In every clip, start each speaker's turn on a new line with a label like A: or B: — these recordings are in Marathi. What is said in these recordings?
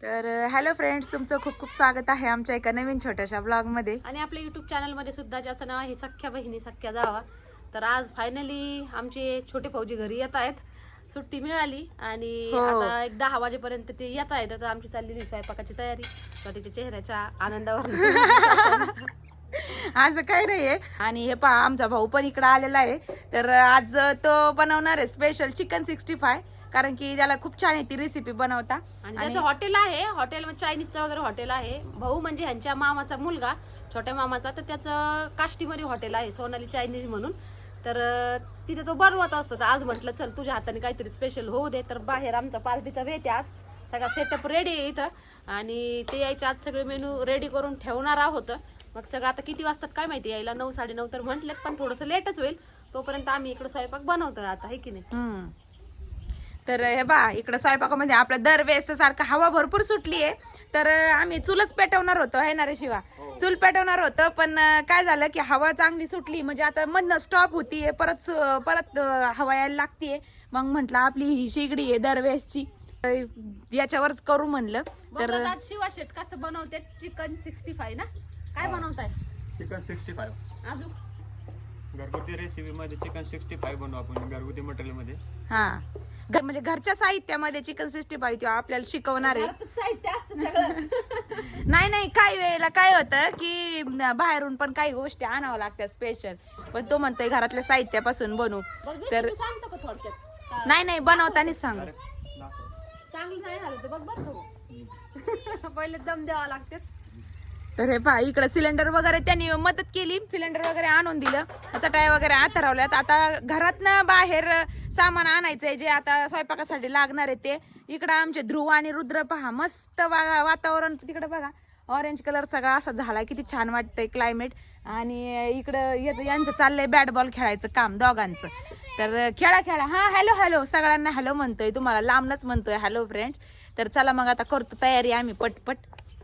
A: तर हॅलो फ्रेंड्स, तुमचं खूप खूप स्वागत आहे आमच्या एका नवीन छोट्याशा ब्लॉगमध्ये.
B: आणि आपल्या युट्यूब चॅनलमध्ये सुद्धा ज्याचं नाव आहे सख्या बहिणी सख्या जावा. तर आज फायनली आमचे छोटे भाऊजी घरी येत आहेत. सुट्टी मिळाली आणि आता 10 वाजेपर्यंत ते येत आहेत. तर आमची चाललेली स्वयंपाकाची तयारी छोट्याच्या चेहऱ्याच्या आनंदावर.
A: आज काही नाहीये. आणि हे पहा, आमचा भाऊ पण इकडे आलेला आहे. तर आज तो बनवणार आहे स्पेशल चिकन 65, कारण की त्याला खूप छान आहे ती रेसिपी बनवता.
B: आणि त्याचं हॉटेल आहे, हॉटेल चायनीजचं वगैरे हॉटेल आहे. भाऊ म्हणजे ह्यांच्या मामाचा मुलगा, छोट्या मामाचा. तर त्याचं काष्टीमध्ये हॉटेल आहे, सोनाली चायनीज म्हणून. तर तिथे तो बनवत असतो. तर आज म्हटलं चल तुझ्या हाताने काहीतरी स्पेशल होऊ दे. तर बाहेर आमचा पार्टीचा वेट आहे आज. सगळा सेटअप रेडी आहे इथं आणि ते यायचे आज सगळे मेनू रेडी करून ठेवणार आहोत. मग सगळं आता किती वाजतात काय माहिती यायला, 9 साडेनऊ तर म्हटलेत, पण थोडंसं लेटच होईल. तोपर्यंत आम्ही इकडे स्वयंपाक बनवतो आता, आहे की नाही.
A: तर हे बा, इकडं स्वयंपाकामध्ये आपल्या दरवेळेस सारखं हवा भरपूर सुटली आहे. तर आम्ही चूलच पेटवणार होतो, आहे ना रे शिवा? चूल पेटवणार होतं, पण काय झालं की हवा चांगली सुटली, म्हणजे आता मधनं स्टॉप होतीये, परत हवा यायला लागतीये. मग म्हंटल आपली ही शेगडी आहे दरवेळेसची, याच्यावरच करू म्हणलं. तर
B: शिवा शेट कसं बनवते चिकन 65 ना? काय बनवताय?
C: चिकन 65
B: अजून
C: घरगुती रेसिपी मध्ये चिकन 65 बनवू आपण घरगुती मटेरियल मध्ये.
A: हा, म्हणजे घरच्या साहित्यामध्ये चिकन 65 किंवा आपल्याला शिकवणार आहे.
B: साहित्य असतं सगळं.
A: नाही, काही वेळेला काय होतं की बाहेरून पण काही गोष्टी आणावं लागतात स्पेशल, पण तो म्हणतोय घरातल्या साहित्यापासून बनवू. तर
B: सांगतो का थोडक्यात?
A: नाही बनवतानाच सांग.
B: चांगलं नाही झालं तर बघ बरं. पहिले दम द्यावा लागते.
A: तर हे पहा, इकडे सिलेंडर वगैरे त्यांनी मदत केली, सिलेंडर वगैरे आणून दिलं, चटाई वगैरे आतरवल्यात. आता घरातनं बाहेर सामान आणायचंय जे आता स्वयंपाकासाठी लागणार आहे ते. इकडं आमचे ध्रुव आणि रुद्र पहा, मस्त वातावरण तिकडे बघा, ऑरेंज कलर सगळा असा झालाय, किती छान वाटतंय क्लायमेट. आणि इकडं यांचं चाललंय बॅट बॉल खेळायचं काम दोघांचं. तर खेळा. हा, हॅलो सगळ्यांना हॅलो म्हणतोय, तुम्हाला लांबनच म्हणतोय हॅलो फ्रेंड्स. तर चला मग आता करतो तयारी आम्ही पटपट.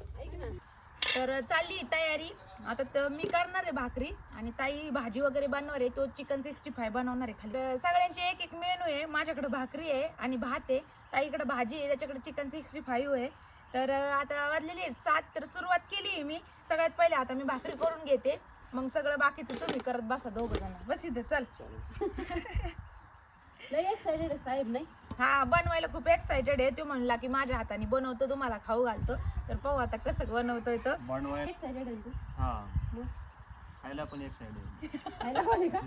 A: तर चालली तयारी आता. तर मी करणार आहे भाकरी आणि ताई भाजी वगैरे बनवणार आहे, तो चिकन 65 बनवणार आहे. खाली सगळ्यांचे एक एक मेनू आहे. माझ्याकडे भाकरी आहे आणि भात आहे, ताईकडे भाजी आहे, त्याच्याकडे चिकन 65 आहे. तर आता वाजलेली आहे 7. तर सुरुवात केली आहे मी. सगळ्यात पहिले आता मी भाकरी करून घेते, मग सगळं बाकीचं तुम्ही करत बसा दोघं जण. बस इथे चल.
B: लय एक्साइटेड आहे साहेब, नाही?
A: हा, बनवायला खूप एक्साइटेड आहे. तो म्हणला की माझ्या हाताने बनवतो, तुम्हाला खाऊ घालतो. तर पाहू आता कसं बनवतोय तो.
C: बनवायला
B: एक्साइटेड आहे तू?
C: हा, खायला पण एक्साइटेड.
B: खायला पण आहे का?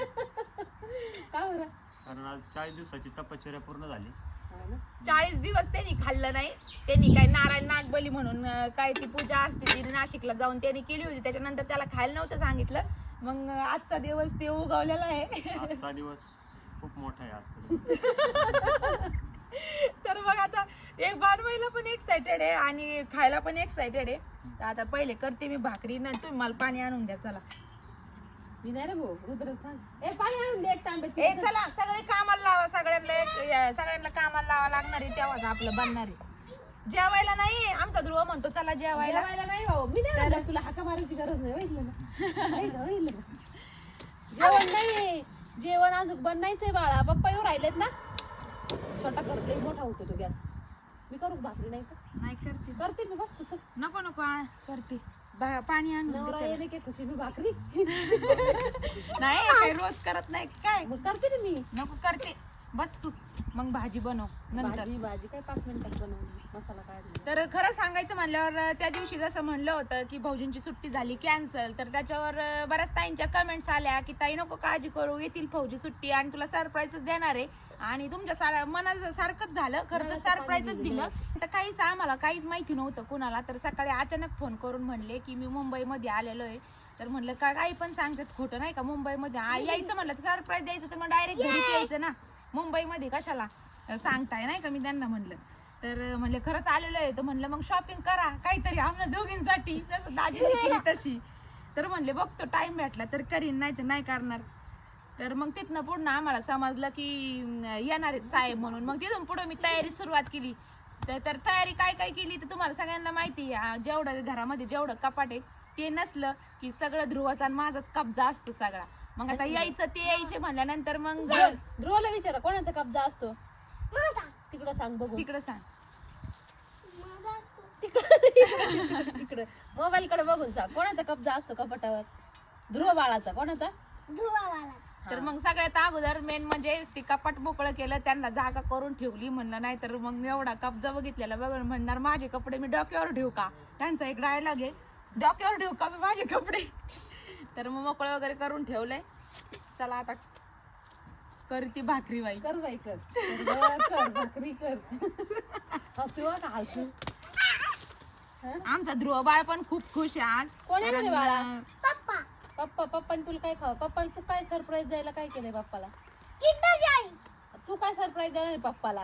B: का बरं?
C: कारण आज 40 दिवसाची तपश्चर्या पूर्ण झाली.
A: 40 दिवस त्यांनी खाल्लं नाही. त्यांनी काय नारायण नागबली म्हणून काय ती पूजा असते, ती नाशिकला जाऊन त्यांनी केली होती. त्याच्यानंतर त्याला खायला नव्हतं सांगितलं. मग आजचा दिवस ते उगवलेला आहे.
C: आजचा दिवस खूप मोठा आहे आजचा दिवस.
A: तर मग आता एक बनवायला पण एक्साइटेड आहे आणि खायला पण एक्साइटेड आहे. तर आता पहिले करते मी भाकरी, ना तुम्ही मला पाणी आणून द्या. चला.
B: मी नाही रे भाऊ, रुद्र सांग. पाणी आणून दे एक तांब्यात.
A: ए चला, सगळे कामाला लावा, सगळ्यांना कामाला लावा लागणार आहे, तेव्हाच आपलं बनणार आहे. जेवायला नाही, आमचा ध्रुव म्हणतो चला जेवायला.
B: नाही भाऊ, मी नाही म्हणलं तुला हाका मारायची गरज नाही. बघितलं ना? जेवण नाही, जेवण अजून बनायचंय बाळा. पप्पा येऊ राहिलेत ना. छोटा करते, मोठा होतो तो गॅस. मी करू भाकरी? नाही तर
A: नाही
B: करते मी. बस तू
A: नको करते. पाणी आणून
B: नवरा येणे की खुशी मी भाकरी
A: नाही, काही रोज करत नाही काय.
B: मग करते ना मी.
A: नको करते, बस तू. मग भाजी बनव नंतर.
B: भाजी काय 5 मिनिटात बनवली. मसाला काय?
A: तर खरं सांगायचं म्हणल्यावर त्या दिवशी जसं म्हणलं होतं की भाऊजींची सुट्टी झाली कॅन्सल, तर त्याच्यावर बऱ्याच ताईंच्या कमेंट्स आल्या की ताई नको काळजी करू, येतील भाऊजी सुट्टी आणि तुला सरप्राईजच देणार आहे. आणि तुमच्या मनाचं सारखंच झालं, खरंच सरप्राईजच दिलं. तर काहीच आम्हाला काहीच माहिती नव्हतं कुणाला. तर सकाळी अचानक फोन करून म्हणले की मी मुंबईमध्ये आलेलो आहे. तर म्हणलं का काही पण सांगतात, खोटं नाही का? मुंबईमध्ये यायचं म्हणलं तर सरप्राईज द्यायचं तर मग डायरेक्ट घरीच यायचं ना, मुंबईमध्ये कशाला सांगताय, नाही का? मी त्यांना म्हणलं. तर म्हणले खरंच आलेलो आहे. तर म्हणलं मग शॉपिंग करा काहीतरी आम्हाला दोघींसाठी, जसं दाजीने केली तशी. तर म्हणले बघतो टाइम भेटला तर करीन, नाही तर नाही करणार. तर मग तिथनं पुढं आम्हाला समजलं की येणार आहेत साहेब म्हणून. मग तिथून पुढं मी तयारी सुरुवात केली. तर तयारी काय केली तर तुम्हाला सगळ्यांना माहिती आहे. जेवढं घरामध्ये जेवढं कपाट आहे ते नसलं की सगळं ध्रुवाचा आणि माझाच कब्जा असतो सगळा. मग आता यायचं ते यायचे म्हणल्यानंतर मग
B: ध्रुवला विचारा कोणाचा कब्जा असतो तिकडं सांग बघू.
A: तिकडं सांग.
B: इकडे मोबाईल कडे बघून सांग कोणाचा कब्जा असतो कपाटावर? ध्रुव बाळाचा. कोणाचा?
A: तर मग सगळ्यात अगोदर मेन म्हणजे ते कपाट मोकळं केलं, त्यांना जागा करून ठेवली. म्हणलं नाही तर मग एवढा कब्जा बघितलेला बघून म्हणणार माझे कपडे मी डोक्यावर ठेवू का? त्यांचा एक डायलॉग आहे, डोक्यावर ठेवू का मी माझे कपडे. तर मग मोकळं वगैरे करून ठेवलंय. चला आता करती भाकरी बाई.
B: कर बाई कर. कर भाकरी कर. हसू का हसू.
A: आमचा ध्रुव बाळ पण खूप खुश आहे आज.
B: कोण आहे रे बाळा?
A: पप्पा.
B: पप्पाने तुला काय खावं? पप्पाला तू काय सरप्राईज द्यायला काय केलंय पप्पाला? तू काय सरप्राईज देणार आहे पप्पाला?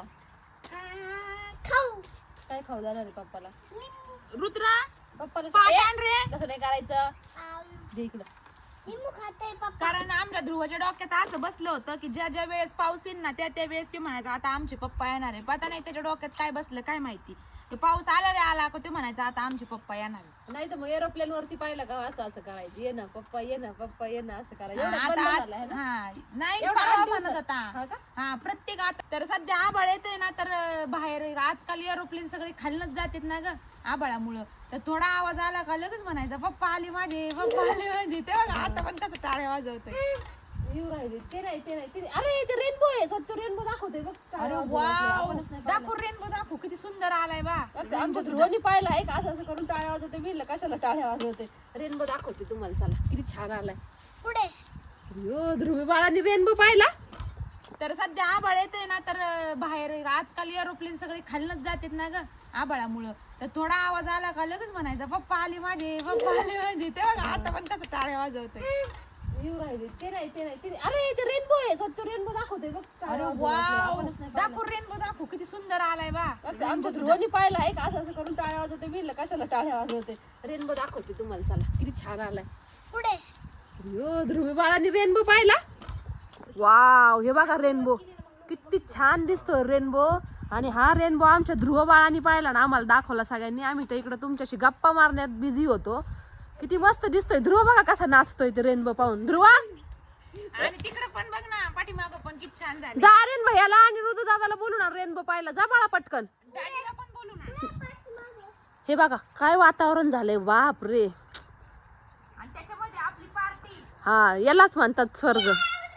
B: काय खाऊ देणार आहे पप्पाला?
A: रुद्रा
B: पप्पाला
A: पाठ रे.
B: तसं नाही करायचं. दे इकडं.
A: कारण आमच्या ध्रुवाच्या डोक्यात असं बसलं होतं की ज्या ज्या वेळेस पाऊस येईल ना त्या त्या वेळेस ते म्हणायचं आता आमचे पप्पा येणार आहे. पता नाही त्याच्या डोक्यात काय बसलं काय माहिती. ते पाऊस आला रे आला का ते म्हणायचं आता आमचे पप्पा येणार आहे.
B: नाही तर मग एरोप्लेन वरती पाहिलं का असं असं करायचं. ये ना पप्पा ये ना पप्पा ये ना असं करायचं. एवढं बंद झालं आहे ना?
A: हा नाही
B: एवढा
A: परवा
B: 8
A: म्हणत
B: दिवसात.
A: होता.
B: हा का?
A: हा प्रत्येक आता तर सध्या आभाळ येतोय ना तर बाहेर आजकाल एरोप्लेन सगळे खालनच जातात ना ग आभाळामुळं. तर थोडा आवाज आला का लगेच म्हणायचा पप्पा आले माझे पप्पा आले माझे. ते बघा आता पण कसं टाळे वाजवतोय.
B: येऊ राहिले ते नाही अरे ते रेनबो आहे. स्वतः रेनबो दाखवते बघ.
A: अरे वाव दाखव रेनबो दाखव किती सुंदर आलाय बा.
B: आमच्या ध्रुवनी पाहिलं आहे का असं असं करून टाळ्या वाजवते. मी कशाला टाळ्या वाजवते. रेनबो दाखवते तुम्हाला. चला किती छान आलाय पुढे. ध्रुवी बाळांनी रेनबो पाहिला.
A: तर सध्या आभाळ येतोय ना तर बाहेर आजकाल एरोप्लेन सगळे खालनच जातात ना ग आभाळामुळं. तर थोडा आवाज आला का लगेच म्हणायचा पप्पा आले माझे पप्पा आले माझे. ते बघा आता पण कसं टाळे वाजवतोय.
B: येऊ राहिले ते नाही अरे ते रेनबो आहे. स्वतः रेनबो दाखवते बघ.
A: अरे वाव दाखव रेनबो दाखव किती सुंदर आलाय बा.
B: आमच्या ध्रुवनी पाहिलं आहे का असं असं करून टाळ्या वाजवते. मी कशाला टाळ्या वाजवते. रेनबो दाखवते तुम्हाला. चला किती छान आलाय पुढे. ध्रुवी बाळांनी रेनबो पाहिला. वाव हे बघा रेनबो किती छान दिसतोय रेनबो. आणि हा रेनबो आमच्या ध्रुव बाळांनी पाहिला ना आम्हाला दाखवला सगळ्यांनी. आम्ही तर इकडे तुमच्याशी गप्पा मारण्यात बिझी होतो. किती मस्त दिसतोय. ध्रुव बघा कसा नाचतोय ते रेनबो पाहून. ध्रुवा
A: आणि तिकडे पण बघ ना पाठीमागं पण किती छान झालं.
B: जा रेन भैयाला आणि ऋतू दादाला बोलू ना रेनबो पाहिला. जा बाळा पटकन.
A: दादीला पण बोलू ना.
B: हे बघा काय वातावरण झालंय. बाप रे.
A: आणि त्याच्यामध्ये आपली पार्टी.
B: हा यालाच म्हणतात स्वर्ग.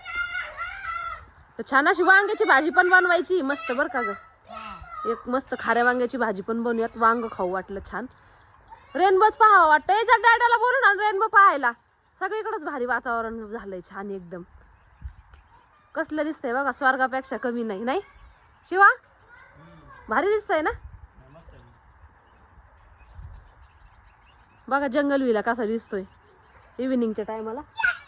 B: तर छान अशी वांग्याची भाजी पण बनवायची मस्त बर का ग. एक मस्त खाऱ्या वांग्याची भाजी पण बनवूयात. वांग खाऊ वाटलं छान. रेनबोच पाहावं वाटतंय. जर डॅडाला बोलू ना रेनबो पाहायला. सगळीकडेच भारी वातावरण झालंय छान एकदम. कसलं दिसतंय बघा. स्वर्गापेक्षा कमी नाही. नाही शिवा भारी दिसतंय ना. बघा जंगल विला कसा दिसतोय इव्हिनिंगच्या टायमाला.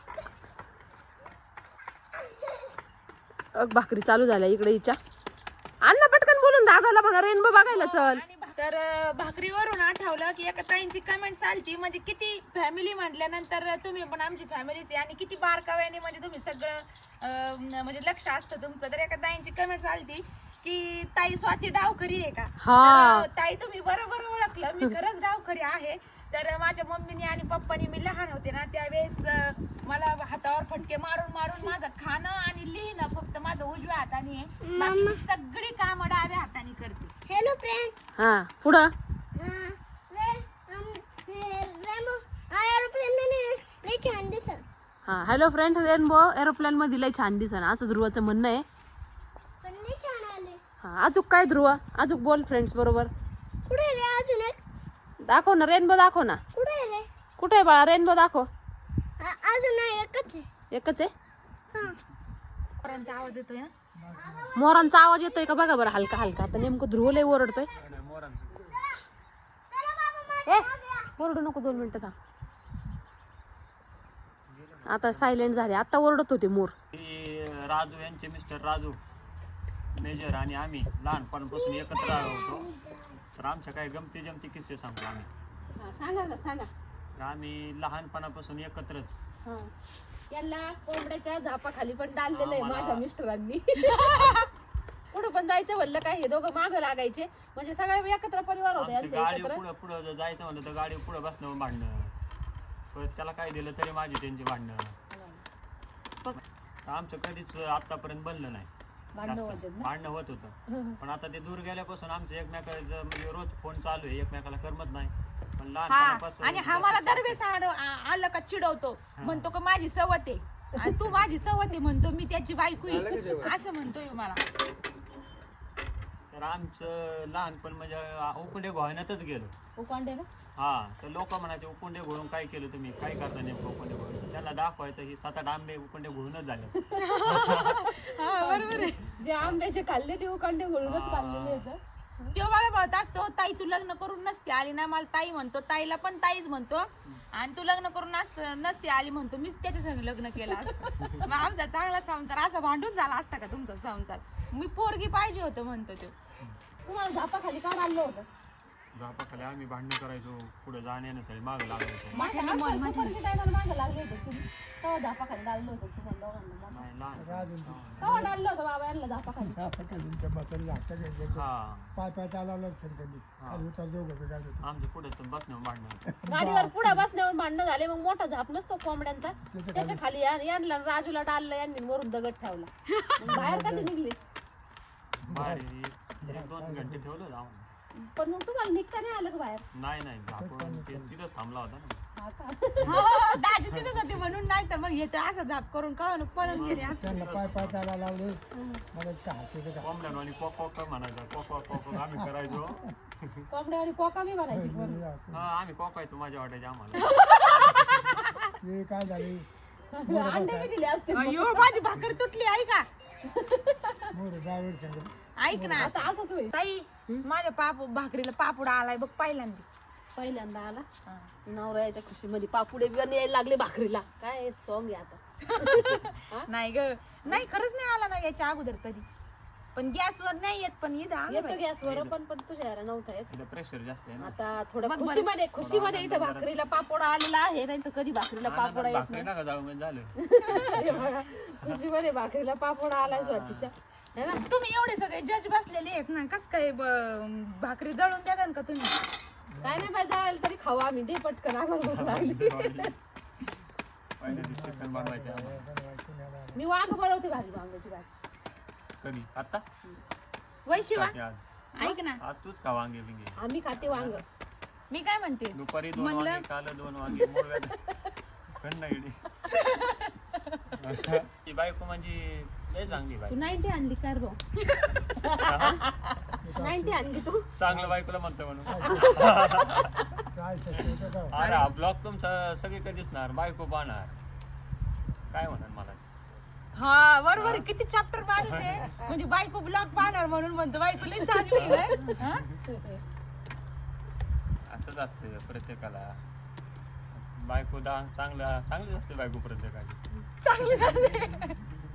B: भाकरी चालू झाल्या इकडे हिच्या. अण्णा पटकन बोलून दादाला म्हणा रेनबो बघायला चल.
A: तर भाकरीवरून आठवलं की एका ताईंची कमेंट आलती म्हणजे किती फॅमिली म्हटल्यानंतर तुम्ही पण आमची फॅमिलीची आणि किती बारकाव्याने म्हणजे तुम्ही सगळं म्हणजे लक्ष असतं तुमचं. तर एका ताईंची कमेंट आलती की ताई स्वाती डावखरी आहे का. तर ताई तुम्ही बरोबर ओळखलं. मी खरंच डावखरी आहे. तर माझ्या मम्मीने आणि पप्पानी मी लहान होते ना त्यावेळेस मला हातावर फटके मारून मारून माझं खाणं आणि लिहिणं फक्त माझं उजव्या हाताने आहे. बाकी मी सगळी कामं डाव्या हाताने करते.
D: Hello friend.
B: हा पुढं
D: छान दिसत.
B: हा हॅलो फ्रेंड रेनबो एरोप्लेन मध्ये लय छान दिसन असं ध्रुवाचं म्हणणं आहे.
D: पण लय छान आले.
B: हा अजून काय ध्रुव अजून बोल फ्रेंड्स बरोबर.
D: कुठे रे अजून एक.
B: दाखव ना रेनबो दाखव ना.
D: कुठे रे.
B: कुठे आहे बाळा रेनबो दाखव.
D: अजून नाही एकच आहे.
B: एकच आहे.
A: पोरांचा आवाज येतोय ना.
B: मोरांचा आवाज येतोय का बघा बरं हलका हलका. आता नेमकं ध्रुव लय ओरडतोय. ओरडू नको 2 मिनिटं थांब. आता सायलेंट झाले. आता ओरडत होते मोर.
C: राजू यांचे मिस्टर राजू मेजर आणि आम्ही लहानपणापासून एकत्र होतो. तर आमच्या काही गमती जमती किस्से सांगतो आम्ही.
B: सांगा ना सांगा.
C: तर आम्ही लहानपणापासून एकत्रच.
B: यांना कोंबड्याच्या झापाखाली पण डाललेलं आहे माझ्या मिस्टरांनी. कुठं पण जायचं म्हणलं काय हे दोघं मागं लागायचे म्हणजे सगळे एकत्र परिवार होते यांचे
C: गाडी
B: एकत्र.
C: पुढं पुढं जायचं म्हणलं तर गाडी पुढं बसणं भांडणं. परत त्याला काय दिलं तरी माझी त्यांची भांडणं. आमचं कधीच आतापर्यंत बनलं नाही. भांडणं होत होतं. पण आता ते दूर गेल्यापासून आमचं एकमेकाचं म्हणजे रोज फोन चालू आहे. एकमेकाला करमत नाही. आपण
A: हा
C: लहानपणापासून
A: आणि हा मला दरवेळेस आलं का चिडवतो, म्हणतो का माझी सवत आहे आणि तू माझी सवत आहे म्हणतो, मी त्याची बायको आहे असं म्हणतोय मला.
C: तर आमचं लहानपण म्हणजे उकुंडे घोळण्यातच गेलो.
B: उकांडे ना
C: हा तर लोक म्हणायचे उकुंडे घोळून काय केलं तुम्ही, काय करता नेमकं उकुंडे घोळून. त्याला दाखवायचं ही 7-8 आंबे उकुंडे घोळूनच झाले.
A: बरोबर आहे.
B: जे आंब्याचे खाल्ले ते उकांडे घोळूनच खाल्लेले आहेत.
A: तो मला म्हणत असतो ताई तू लग्न करून नसते आली ना, मला ताई म्हणतो, ताईला पण ताईच म्हणतो, आणि तू लग्न करून नसते आली म्हणतो, मीच त्याच्या संग लग्न केलं असतं. मग आमचा चांगला संसार असा भांडून झाला असता का तुमचा संसार, मी पोरगी पाहिजे होतं म्हणतो तो.
B: तुम्हाला झापाखाली का आणलं होतं?
C: झापाखाली आम्ही भांडणं करायचो, पुढे जाण्यासाठी मागं लागायचो.
B: माझ्या सुपरच्या टायमाला मागं लागले होते तुम्ही, तेव्हा झापाखाली डाललं होतं तुम्हाला दोघांना.
C: नाही लहान
B: तेव्हा डाललं होतं बाबा यांना झापाखाली.
C: हा
E: पाय पाय चालवलं त्यांनी आणि उतर जाऊ घरी
C: आमच्या पुढे बसण्यावर भांडणं.
B: गाडीवर पुढे बसण्यावर भांडणं झाले, मग मोठा झाप नसतो कोंबड्यांचा, त्याच्या खाली यांना राजूला डाललं, यांनी वरून दगड ठेवला. मग बाहेर कधी निघले?
C: बाहेर 1-2 घंटे ठेवलं होतं आम्हाला.
B: पण मग तुम्हाला निघता नाही आलं का बाहेर?
C: नाही झापून तिथंच थांबला होता ना.
B: हा का?
A: हो, दाजी तिथेच होते म्हणून, नाही तर मग येतं असं झाप करून का पळून गेले असं.
E: त्यांना पाय पाय चालायला लावले मला इतकं हात का
C: कोंबड्यानं आणि कोक म्हणायचं, कोक आम्ही करायचो.
B: कोंबड्या आणि कोका मी म्हणायची वरून.
C: हा आम्ही कोकायचो, मजा वाटायची आम्हाला.
E: ते काय झाले
B: अंडे बी दिले असते.
A: अयो माझी भाकर तुटली ऐका.
E: मोर ड्रायव्हर सांग
A: ऐक ना
B: आता असंच होईल.
A: ताई, माझ्या भाकरीला पापुडा आलाय बघ पहिल्यांदा.
B: पहिल्यांदा आला नवऱ्याच्या खुशीमध्ये पापुडे बिवाने यायला लागले भाकरीला. काय सॉंग आहे आता.
A: नाही ग, नाही खरंच नाही आला ना याच्या अगोदर कधी, पण गॅसवर नाही येत, पण इथं आलं
B: येतो
A: बाई.
B: गॅसवर पण तुझ्या याला नव्हता येत.
C: तिथं प्रेशर जास्त आहे ना.
B: आता थोडं खुशीमध्ये इथं भाकरीला पापोडा आलेला आहे, नाही तर कधी भाकरीला पापोडा येत
C: भाकरी नका जाऊ म्हणजे झालं.
B: नाही. बघा, खुशीमध्ये भाकरीला पापोडा आलाय स्वातीच्या. है ना?
A: तुम्ही एवढे सगळे जज बसलेले आहेत ना, कस काय भाकरी जळून द्या का तुम्ही?
B: काय नाही पाहिजे जायला तरी खावा आम्ही, दे पटकन आम्हाला भूक लागली.
C: पहिले चिकन बनवायचे आम्हाला.
B: मी वांग बनवते भाजी, वांग्याची भाजी.
C: कधी आता
A: वैशिवा
C: आज
A: ऐक ना,
C: आज तूच खा वांगे बिंगे.
B: आम्ही खाते वांग.
A: मी काय म्हणते,
C: दुपारी 2 वांगे, काल 2 वांगे, कंडाईडी. ही बायको म्हणजे लय चांगली
B: तू
C: बायको.
B: 90 आणली कर भाऊ. 90 आणली तू.
C: चांगलं बायकोला म्हणतो म्हणून.
E: काय शक्य का
C: अरे हा ब्लॉग तुमचा सगळीकडे दिसणार, बायको पाहणार, काय म्हणणार मला.
A: हा बरोबर आहे, किती चॅप्टर माणूस आहे, म्हणजे बायको ब्लॉग पाहणार म्हणून म्हणतो बायको लई चांगली आहे. हा?
C: असंच असते प्रत्येकाला. बायको चांगलीच असते बायको प्रत्येकाची.
A: चांगली झाली.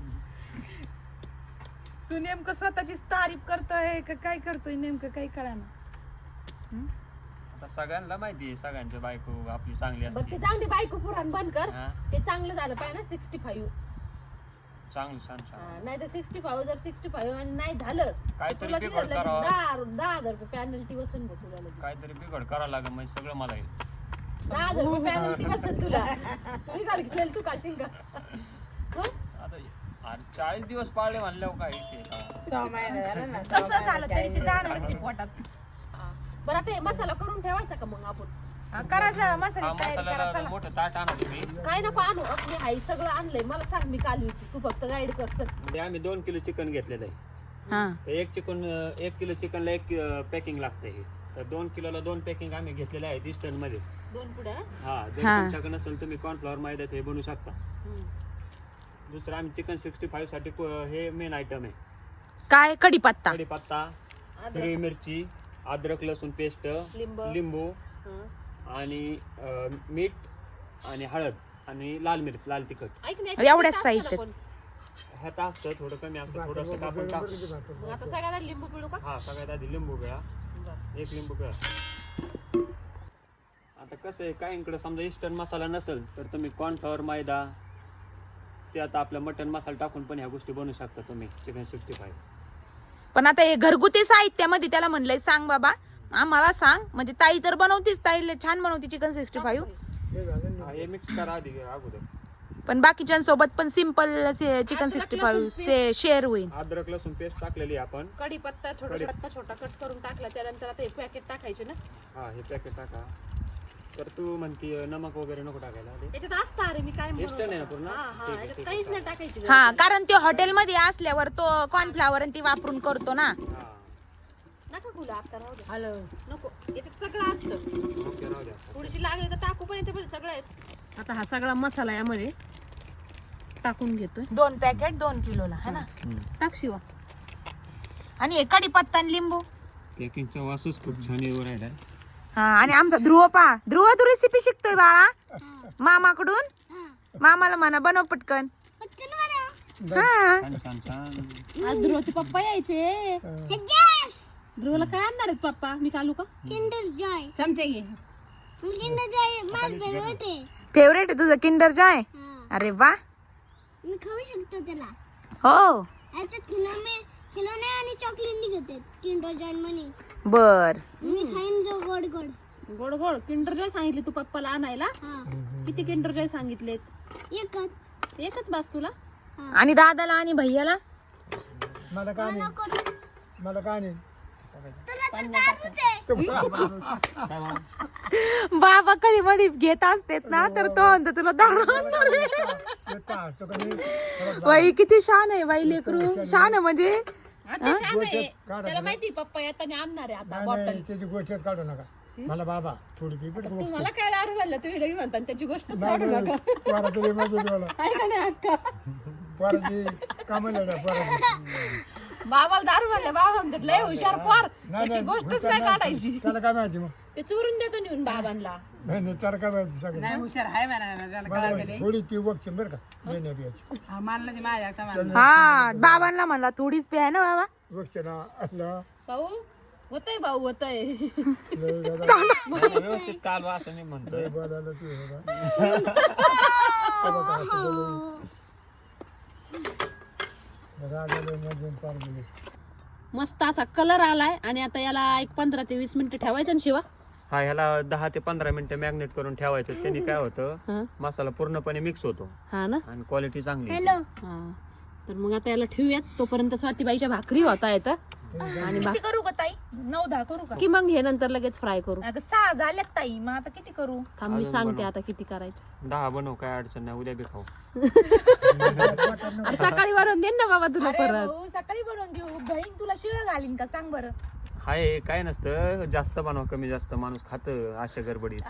A: तू नेमकं स्वतःचीच तारीफ करतोय का काय करतोय नेमकं काही कळाना.
C: आता सगळ्यांना माहिती आहे, सगळ्यांची बायको आपली चांगली
B: बघ ते
C: असते.
B: जाऊन दे, बायको पुराण बंद कर.
C: हा?
B: ते चांगलं झालं पाहिजे ना 65.
C: चांगलं छान
B: नाही तर 65 जर 65 आणि नाही झालं
C: काहीतरी
B: तुला
C: बिघड
B: तिथं
C: करावं.
B: 10,000 रुपये पॅनल्टी बसून बघ तुला लगेच.
C: काहीतरी बिघड करावं लागेल म्हणजे सगळं मला येईल.
B: 10,000 रुपये पॅनल्टी बसून तुला. तुम्ही काढ घेतलेलं तू काशील का? हं?
C: आता 40 दिवस पाळले म्हणल्यावर काय विषय आहे?
A: कसं झालं तरी ते जाणारच पोटात.
B: बरं आता हे मसाला करून ठेवायचा का मग आपण?
A: करायचं
C: हा
A: मसाला तयारी करा
C: मसाल्याला
A: चला.
C: मोठं ताट आणा तुम्ही.
B: काय नको आणू, आपली आई सगळं आणलंय. मला सांग, मी काल होती, तू फक्त गाईड कर. चल.
C: म्हणजे आम्ही 2 किलो चिकन घेतलेलं आहे. तर 1 किलो चिकनला 1 पॅकिंग लागतं हे. तर 2 किलोला 2 पॅकिंग आम्ही घेतलेले आहेत इस्टर्न मध्ये.
B: 2 पुड्या ना?
C: हा जर तुमच्याकडे नसेल तुम्ही कॉर्नफ्लॉवर मैद्यात हे बनवू शकता. दुसरं आम्ही चिकन 65 साठी हे मेन आयटम आहे.
A: काय कढीपत्ता,
C: कढीपत्ता, हिरवी मिरची, अद्रक लसूण पेस्ट, लिंबू
B: हं.
C: आणि मीठ आणि हळद आणि लाल मिरच, लाल तिखट.
B: ऐक ना,
A: एवढ्याच
B: असतं
A: साहित्यात.
B: ना पण.
C: ह्यात असतं थोडं कमी असतं, थोडंसं आपण टाकू.
B: मग आता सगळ्याला लिंबू पिळू का?
C: हा सगळ्यात आधी लिंबू पिळा, 1 लिंबू पिळा. आता कसं आहे, काहींकडे समजा इस्टर्न मसाला नसेल तर तुम्ही कॉर्नफ्लॉवर मैदा ते आता आपलं मटन मसाला टाकून पण ह्या गोष्टी बनवू शकता तुम्ही चिकन 65.
A: पण आता हे घरगुती साहित्यामध्ये त्याला म्हणलंय सांग बाबा आम्हाला सांग, म्हणजे ताई तर बनवतीच, ताईला छान बनवती चिकन 65.
C: हे मिक्स करा आधी अगोदर.
A: पण बाकीच्यांसोबत पण सिंपल चिकन 65 शेअर होईल.
C: अद्रक लसूण पेस्ट टाकलेली आहे आपण.
B: कढीपत्ता छोटा कट करून टाकला, त्यानंतर आता हे पॅकेट टाकायचे ना.
C: हा हे पॅकेट टाका. तर तू म्हणती नमक वगैरे नको टाकायला ते?
B: याच्यात असतं अरे मी काय
C: टेस्ट नाही ना पूर्ण?
B: हा हा याच्यात काहीच नाही टाकायची
A: हा कारण ते हॉटेलमध्ये असल्यावर तो कॉर्नफ्लावर ती वापरून करतो ना.
C: हा.
B: नका गुला आता राहू दे
E: हॅलो
B: नको याच्यात सगळं असतं
C: ओके, राहू द्या.
B: थोडीशी लागली तर टाकू पण याच्यामध्ये सगळं आहे. आता हा सगळा मसाला यामध्ये टाकून घेतोय
A: 2 पॅकेट 2 किलोला है ना.
B: टाक शिवा.
A: आणि हे कढीपत्ता आणि लिंबू.
C: पॅकिंगचा वासच खूप छान येऊ राहिला.
A: हा आणि आमचा ध्रुव तू रेसिपी शिकतोय बाळा मामाकडून. मामाला म्हणा बनव पटकन.
D: पटकन मला.
A: हा
C: छान छान छान.
B: आज ध्रुवचे पप्पा यायचे. ध्रुवला काय आणणार आहेत पप्पा मी कालू का
D: किंडर जॉय.
B: समजे घे.
D: किंडर जॉय माझं फेवरेट आहे.
A: फेवरेट आहे तुझं किंडर जॉय.
D: हा.
A: अरे वा.
D: मी खाऊ शकतो त्याला.
A: हो
D: याच्यात खिलोने आणि चॉकलेट निघते किंडर जॉय म्हणे.
A: बर.
D: मी खाईन जो गोड गोड.
B: गोड गोड किंडर जॉय सांगितले तू पप्पाला आणायला.
D: हा
B: किती किंडर जॉय सांगितलेत? एकच बास तुला.
A: आणि दादाला आणि भैयाला.
E: मला काय नाही मला काय नाही
C: काय मग?
A: बाबा कधी मध्ये घेत असतेत ना तर तो म्हणतो तुला दारू आणणार आहे.
E: येता असतो का नाही
A: बाई किती शान आहे बाई लेकरू. शान आहे म्हणजे
B: आता छान आहे.
E: काढा
B: त्याला माहिती पप्पा येताना आणणार आहे आता
E: नाही,
B: बॉटल.
E: नाही, त्याची गोष्ट काढू नका मला बाबा थोडी पिपट
B: तुम्हाला काय दारू म्हणलं तुम्ही लगे म्हणता आणि त्याची गोष्ट काढू नका.
E: पोराची मला
B: आहे का नाही अक्का?
E: पोराची कामाला पोराची
B: बाबाला दारू म्हणलं बाबा म्हणतात लय हुशार पोर त्याची गोष्टच नाही काढायची.
E: त्याला काय माहिती मग
B: ते चोरून देतो नेऊन बाबांना.
E: नाही नाही त्याला काय माहिती सगळं
F: हुशार आहे म्हणा
E: मला थोडी ती वक्ष बरं का नाही बियाची
F: मानलं माझ्या का मानलं.
A: हा बाबांना म्हणला थोडीच पे आहे ना बाबा.
E: वक्ष ना असला
B: भाऊ होतय भाऊ होतय.
E: लय दादा
C: नाही, व्यवस्थित काल असं मी म्हणतोय.
E: बोलायला तू हे बघा. बघा असं बोलून. रागाला मधून पार गेले.
B: मस्त असा कलर आलाय आणि आता याला एक 15 ते 20 मिनिटं ठेवायचं ना शिवा.
C: हा ह्याला 10 ते 15 मिनिटं मॅग्नेट करून ठेवायचं. त्यांनी काय होतं
B: हा
C: मसाला पूर्णपणे मिक्स होतो
B: हा ना.
C: आणि क्वालिटी चांगली येते.
D: हॅलो.
B: हा तर मग आता याला ठेवूयात तोपर्यंत स्वातीबाईच्या भाकरी होता येतं आणि
A: किती करू का ताई 9-10 करू का.
B: की मग हे नंतर लगेच फ्राय करू.
A: आता 6 झाल्यात ताई मग आता किती करू.
B: थांब मी सांगते आता किती करायचं.
C: 10 बनव काय अडचण नाही. उद्या बी खाऊ.
B: अरे सकाळी वरून दे ना बाबा तुला
A: अरे
B: परत.
A: भाऊ, सकाळी बनवून घेऊ. बहीण तुला शिळ घालीन का सांग बरं.
C: हाय काय नसतं जास्त बनव कमी जास्त माणूस खात अशा गडबडीत.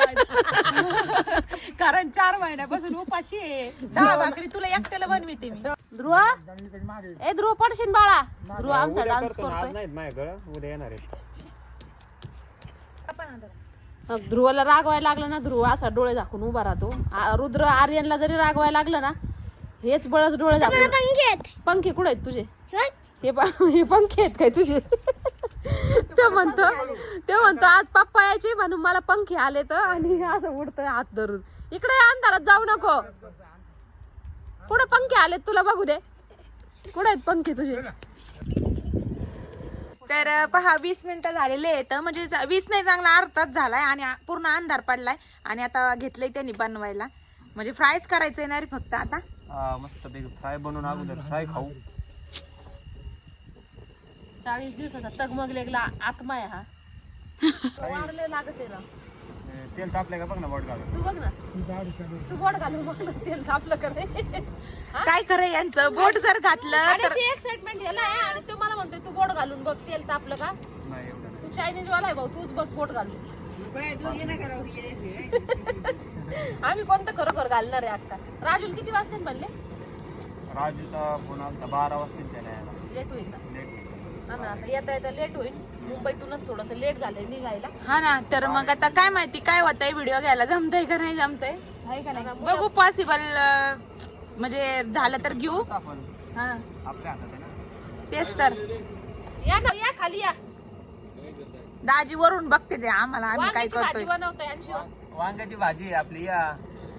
A: कारण 4 महिन्यापासून उपाशी आहे. 10 भाकरी तुला एकट्याला बनविते मी.
B: ध्रुव ए ध्रुव पडशील बाळा. ध्रुव आमचा
C: उद्या
B: डान्स
C: करतो ना, आज
B: करतोय.
C: नाहीत माझ्याकडं उद्या येणार आहे.
B: मग ध्रुवला रागवायला लागलं ना ध्रुव असा डोळे झाकून उभा राहतो. रुद्र आर्यनला जरी रागवायला लागलं ना हेच बळच डोळे झाकून.
D: पंखेत.
B: पंखे कुठे आहेत तुझे?
D: बघ.
B: हे पंखे आहेत काय तुझे? ते म्हणतो आज पप्पा यायचे म्हणून मला पंखे आले तर आणि असं उडतोय हात धरून. इकडे अंधारात जाऊ नको. कुठे पंखे आलेत तुला बघू दे. कुठे आहेत पंखे तुझे?
A: तर पहा 20 मिनिटं झालेले आहेत. म्हणजे 20 नाही चांगला अर्धाच झालाय आणि पूर्ण अंधार पडलाय. आणि आता घेतलंय त्यांनी बनवायला. म्हणजे फ्रायच करायचंय ना रे फक्त आता.
C: मस्त पैकी फ्राय बनवून अगोदर फ्राय खाऊ.
B: 40 दिवसाचा तगमगलेला आत्मा आहे हा. वारले लागत आहे ना.
C: तेल तापलंय का बघ ना बोट घालून.
B: तू बघ ना तू बोट घालून बघ ना तेल तापलं करे.
A: काय खरं यांचं बोट जर घातलं तर
B: आणि एक्साइटमेंट ह्याला आहे आणि तो मला म्हणतोय तू बोट घालून बघ तेल तापलं का.
C: नाही एवढं नाही.
B: तू चायनीज वाला आहे भाऊ तूच बघ बोट घालून. आम्ही कोणतं खरोखर घालणार आहे आता. राजूला किती वाजता म्हणले?
C: राजूचा फोन आलता 12 वाजता त्याला यायला.
B: लेट होईल ना.
C: लेट.
B: हा ना आता येता लेट होईल. मुंबईतूनच थोडस लेट झालंय निघायला.
A: हा ना. तर मग आता काय माहिती काय होतंय व्हिडिओ घ्यायला जमतंय का नाही जमतंय आहे का नाही बघू. पॉसिबल म्हणजे झालं तर घेऊ.
C: आपण
A: हा
C: आपल्या हातात आहे ना.
A: तेच तर.
B: या ना या खाली या.
A: दाजी वरून बघते ते आम्हाला आम्ही काय
B: वांग्याची भाजी
A: करतोय.
B: बनवतोय आणि शिवा.
C: वांग्याची भाजी आहे आपली या.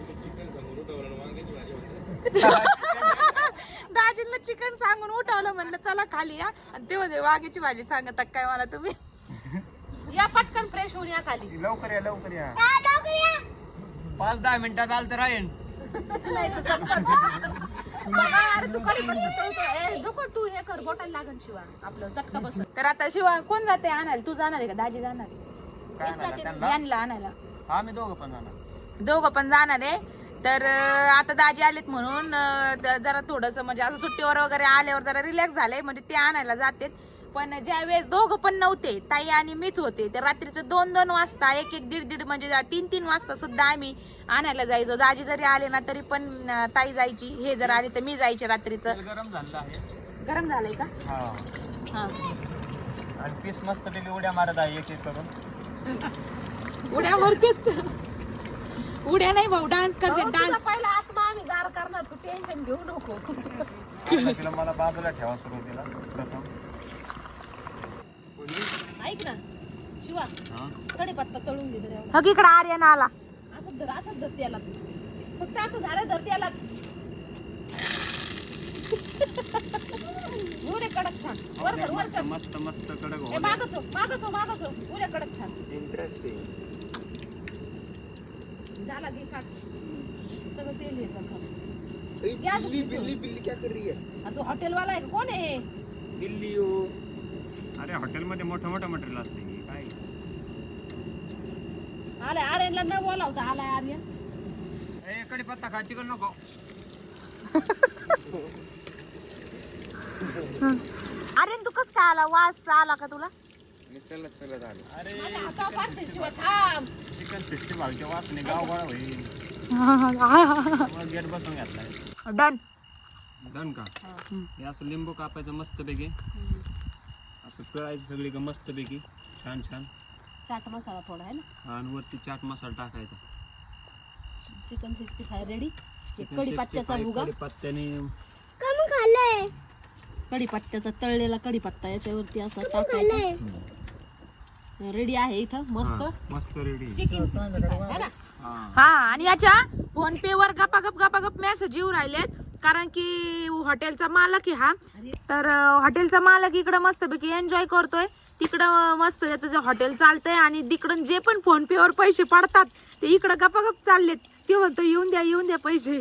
A: दाजींना चिकन सांगून उठवलं म्हणलं चला खाली या. आणि ते मध्ये वाघ्याची भाजी सांगतात काय मला तुम्ही.
B: या पटकन फ्रेश होऊन या खाली.
C: लवकर या लवकर या.
D: लवकर या.
C: 5-10 मिनिटात आलं तर राहीन.
B: अरे तू कधी पण उतरवतो. ए, नको तू हे कर बोटायला लागन शिवा आपलं चटका बस.
A: तर आता शिवा कोण जाते आणायला. तू जाणार आहे का दाजी जाणार आहे?
C: काय नाही त्यांना
A: यांना आणायला.
C: आम्ही दोघं पण जाणार.
A: दोघं पण जाणार आहे. तर आता दाजी आलेत म्हणून जरा थोडस म्हणजे असं सुट्टीवर वगैरे आल्यावर जरा रिलॅक्स झालंय, म्हणजे ते आणायला जातेत. पण ज्या वेळेस दोघं पण नव्हते, ताई आणि मीच होते, तर रात्रीचं 2-2 वाजता, 1-1, 1:30 म्हणजे 3-3 वाजता सुद्धा आम्ही आणायला जायचो. दाजी जरी आले ना तरी पण ताई जायची, हे जर आले तर मी जायचे. रात्रीचं
C: तेल गरम झालेलं आहे.
A: गरम झालंय का?
C: हा.
A: हा.
C: आणि पीस मस्त पैकी उड्या मारत आहे एक एक करून.
A: उड्या मारतात. उड्या नाही भाऊ, डान्स करते. डान्स
B: पहिला आत्मा आम्ही गार करणार, तू टेन्शन घेऊ नको.
C: तिला मला बाजूला ठेवा सुरुवातीला प्रथम.
B: ऐक ना शिवा,
C: हा.
B: कढीपत्ता तळून घे जरा.
A: हक इकडे आर्यन आला.
B: असंच धर त्याला, फक्त असं झालं धर त्याला. उरे कडक छान, वर धर वर धर.
C: मस्त मस्त कडक
B: ए,
C: होऊ द्या.
B: मागच हो, उरे कडक छान
C: इंटरेस्टिंग.
B: झाला. घे काढ सगळं तेल हे कर.
E: बिल्ली बिल्ली बिल्ली क्या कर रही है?
B: तू हॉटेलवाला आहे का? कोण आहे?
E: बिल्ली हो.
C: अरे हॉटेलमध्ये मोठं मोठं मटेरियल असते हे काय.
B: आलाय आर्यनला न बोलावता आलाय आर्यन.
C: ए कढीपत्ता खा, चिकन नको.
A: आर्यन तू कस काय आला? वास आला का तुला?
E: मी चलत चलत आलो.
C: अरे
B: माझ्या हातावर पाडशील शिवा, थांब.
C: चिकन 65 च्या वासने गाव गोळा होईल. गेट बसून घातलाय.
A: डन.
C: डन का? हे असं लिंबू कापायचं मस्त पैकी, असं पिळायचं सगळी का मस्त पैकी छान छान.
B: चाट मसाला थोडा आहे ना,
C: आणि वरती चाट मसाला टाकायचा.
B: Chicken 65 ready. कढीपत्त्याचा भुगा,
C: कढीपत्त्याने
D: कमी खाल्लंय
B: कढीपत्त्याचा तळलेला कढीपत्ता याच्यावरती असा टाकायचा.
D: खाल्लंय
B: रेडी आहे इथं मस्त
C: मस्त रेडी.
B: चिकन 65 है ना.
A: हा, आणि याच्या फोन पे वर गपागप मेसेज येऊ राहिलेत, कारण की हॉटेलचा मालक आहे हा. तर हॉटेलचा मालक इकडं मस्तपैकी एन्जॉय करतोय, तिकडं मस्त त्याचं जे हॉटेल चालतंय, आणि तिकडून जे पण फोन पे वर पैसे पडतात ते इकडं गपागप चाललेत. ते म्हणतो येऊन द्या पैसे.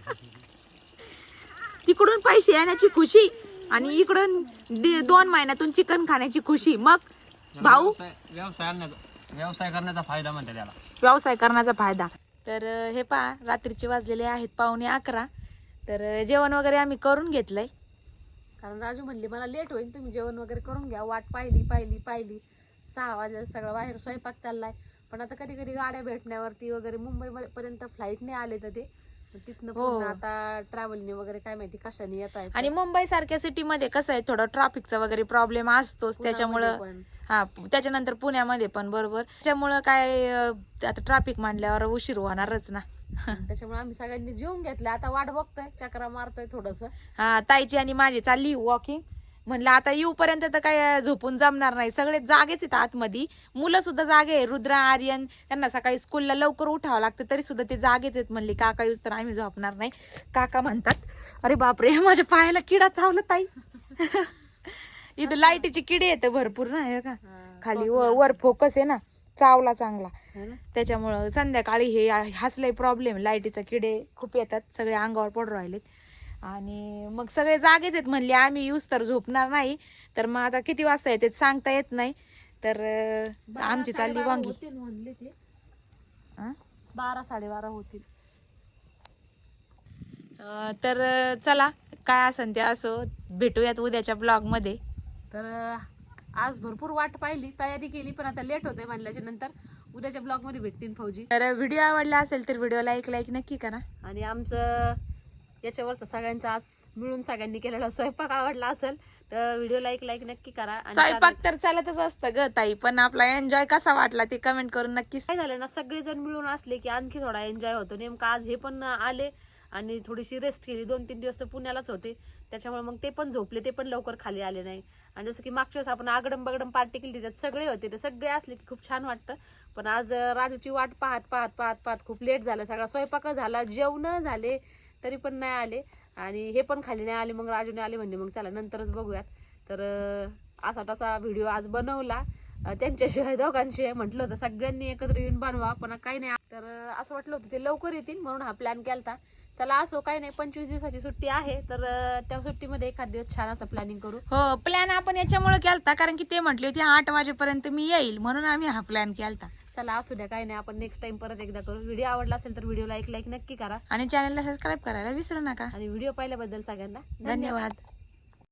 A: तिकडून पैसे येण्याची खुशी आणि इकडून 2 महिन्यातून चिकन खाण्याची खुशी. मग भाऊ
C: व्यवसाय करण्याचा फायदा म्हणते त्याला.
A: व्यवसाय करण्याचा फायदा. तर हे पहा, रात्रीचे वाजलेले आहेत 11:15. तर जेवण वगैरे आम्ही करून घेतलंय,
B: कारण राजू म्हणली मला लेट होईल, तुम्ही जेवण वगैरे करून घ्या. वाट पाहिली 6 वाजता सगळं बाहेर स्वयंपाक चाललाय. पण आता कधी कधी गाड्या भेटण्यावरती वगैरे मुंबई पर्यंत फ्लाईटने आले तर ते तिथनं पूर्ण आता ट्रॅव्हलने वगैरे काय माहिती कशाने येत आहे.
A: आणि मुंबई सारख्या सिटीमध्ये कसं आहे, थोडं ट्रॅफिकचा वगैरे प्रॉब्लेम असतोच. त्याच्यामुळं हा, त्याच्यानंतर पुण्यामध्ये पण बरोबर. त्याच्यामुळं काय आता ट्रॅफिक मांडल्यावर उशीर होणारच ना.
B: त्याच्यामुळे आम्ही सगळ्यांनी जेवून घेतलं. आता वाट बघतोय, चक्रा मारतोय थोडस.
A: हा, ताईची आणि माझी चालली वॉकिंग. म्हणलं आता येऊपर्यंत तर काय झोपून जमणार नाही, सगळे जागेच आहेत आतमध्ये. मुलं सुद्धा जागे आहे, रुद्रा, आर्यन, त्यांना सकाळी स्कूलला लवकर उठावं लागतं, तरी सुद्धा ते जागेच आहेत. म्हणले काका येऊस तर आम्ही झोपणार नाही. काका म्हणतात अरे बापरे, माझ्या पायाला किडा चावला ताई. इथं लाईटीची किडे येते भरपूर ना, हे का खाली वर फोकस आहे ना, चावला चांगला. त्याच्यामुळं संध्याकाळी हाच लय प्रॉब्लेम, लाईटीचा किडे खूप येतात, सगळे अंगावर पडून राहिलेत. आणि मग सगळे जागेच आहेत. म्हणले आम्ही येऊस तर झोपणार नाही. तर मग आता किती वाजता येते सांगता येत नाही. तर आमची चालली वांगी.
B: म्हणले ते 12-12:30 होतील.
A: तर चला, काय असन ते असो, भेटूयात उद्याच्या ब्लॉग मध्ये.
B: तर आज भरपूर वाट पाहिली, तयारी केली, पण आता लेट होतंय म्हणल्याच्या नंतर उद्याच्या ब्लॉग मध्ये भेटतील फौजी.
A: तर व्हिडिओ आवडला असेल तर व्हिडिओला एक लाईक नक्की करा.
B: आणि आमचं याच्यावरचं सगळ्यांचा आज मिळून सगळ्यांनी केलेला स्वयंपाक आवडला असेल तर व्हिडिओला एक लाईक नक्की करा. आणि
A: स्वयंपाक तर चालतच असतं ग ताई, पण आपला एन्जॉय कसा वाटला ते कमेंट करून नक्की.
B: काय झालं ना, सगळेजण मिळून असले की आणखी थोडा एन्जॉय होतो. नेमकं आज हे पण आले आणि थोडीशी रेस्ट केली. 2-3 दिवस तर पुण्यालाच होते, त्याच्यामुळे मग ते पण झोपले, ते पण लवकर खाली आले नाही. आणि जसं की मागच्या वेळेस आपण आगडम बगडम पार्टी केली, त्याच्यात सगळे होते, ते सगळे असले की खूप छान वाटतं. पण आज राजूची वाट पाहत खूप लेट झालं. सगळा स्वयंपाक झाला, जेवण झाले, तरी पण नाही आले. आणि हे पण खाली नाही आले. मग राजूने आले म्हणजे मग चला नंतरच बघूयात. तर असा तसा व्हिडिओ आज बनवला. त्यांच्याशिवाय दोघांशिवाय म्हटलं होतं सगळ्यांनी एकत्र येऊन बनवा, पण काही नाही. तर असं वाटलं होतं ते लवकर येतील म्हणून हा प्लॅन केलता. चला असो काही नाही, 25 दिवसाची सुट्टी आहे तर त्या सुट्टीमध्ये एखाद दिवस छान असं प्लॅनिंग करू.
A: हो, प्लॅन आपण याच्यामुळे केलता कारण की ते म्हटले होते 8 वाजेपर्यंत मी येईल, म्हणून आम्ही हा प्लॅन केलता.
B: चला असू द्या, काही नाही, आपण नेक्स्ट टाइम परत एकदा करू. व्हिडिओ आवडला असेल तर व्हिडिओला एक लाईक नक्की करा
A: आणि चॅनलला सबस्क्राईब करायला विसरू नका.
B: आणि व्हिडिओ पाहिल्याबद्दल सगळ्यांना
A: धन्यवाद.